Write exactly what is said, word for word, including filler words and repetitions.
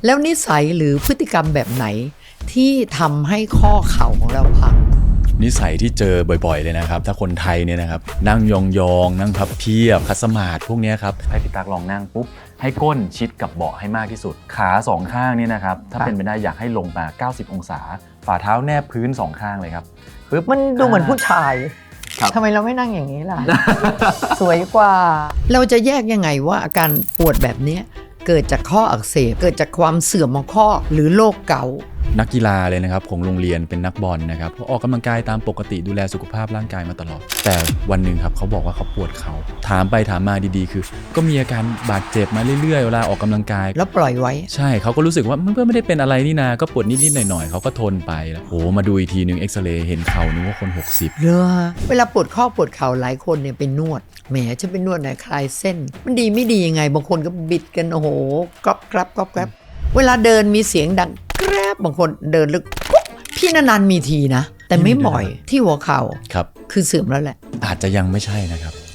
แล้วนิสัยหรือพฤติกรรมแบบไหนที่ทำให้ข้อเข่าของเราพังนิสัยที่เจอบ่อยๆเลยนะครับถ้าคนไทยเนี่ยนะครับนั่งยองๆนั่งพับเพียบคัสมาดพวกนี้ครับให้พี่ตักลองนั่งปุ๊บให้ก้นชิดกับเบาะให้มากที่สุดขาสองข้างเนี่ยนะครับถ้าเป็นไปได้อยากให้ลงมาเก้าสิบองศาฝ่าเท้าแนบพื้นสองข้างเลยครับปึ๊บมันดูเหมือนผู้ชายทำไมเราไม่นั่งอย่างนี้ล่ะ สวยกว่าเราจะแยกยังไงว่าอาการปวดแบบนี้เกิดจากข้ออักเสบเกิดจากความเสื่อมของข้อหรือโรคเกาต์นักกีฬาเลยนะครับของโรงเรียนเป็นนักบอลนะครับออกกำลังกายตามปกติดูแลสุขภาพร่างกายมาตลอดแต่วันหนึ่งครับเขาบอกว่าเขาปวดเขาถามไปถามมาดีๆคือก็มีอาการบาดเจ็บมาเรื่อยๆเวลาออกกำลังกายแล้วปล่อยไว้ใช่เขาก็รู้สึกว่ามันก็ไม่ได้เป็นอะไรนี่นาก็ปวดนิดๆหน่อยๆเขาก็ทนไปแล้วโอ้มาดูอีกทีนึงเอ็กซเรย์เห็นเข่านึกว่าคนหกสิบเหรอเวลาปวดข้อปวดเข่าหลายคนเนี่ยไปนวดแหมฉันไปนวดไหนคลายเส้นมันดีไม่ดียังไงบางคนก็บิดกันโอ้โหกรอบกรับกรอบกรับเวลาเดินมีเสียงดังแกรบบางคนเดินลึกพี่นานๆมีทีนะแต่ไม่บ่อยที่หัวเข่าครับคือเสื่อมแล้วแหละอาจจะยังไม่ใช่นะครับ